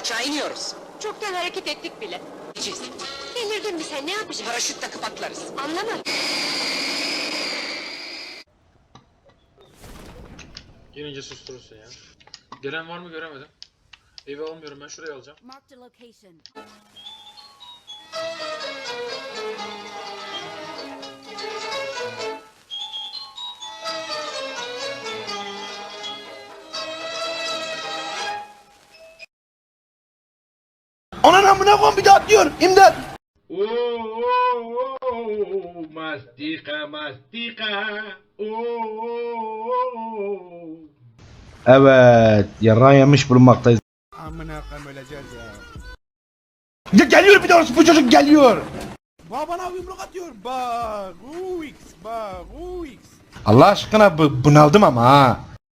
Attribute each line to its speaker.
Speaker 1: Aşağı iniyoruz.
Speaker 2: Çoktan hareket ettik bile.
Speaker 1: İçiz.
Speaker 2: Delirdin mi sen, ne yapacaksın?
Speaker 1: Paraşüt takıp atlarız.
Speaker 2: Anlamadım.
Speaker 3: Gelince susturursun ya. Gelen var mı göremedim. Evi almıyorum, ben şurayı alacağım.
Speaker 4: Marked a location.
Speaker 5: Anan amına koyayım, bir daha atlıyor. İmdat.
Speaker 6: Mastika mastika.
Speaker 5: Evet, yarrağı yemiş bulunmaktayız.
Speaker 7: Amına koyayım, öleceğiz ya.
Speaker 5: Ya geliyor, bir daha bu çocuk geliyor.
Speaker 7: Bana yumruk atıyor. Bak, Uix, bak, Uix.
Speaker 5: Allah aşkına bunaldım ama ha.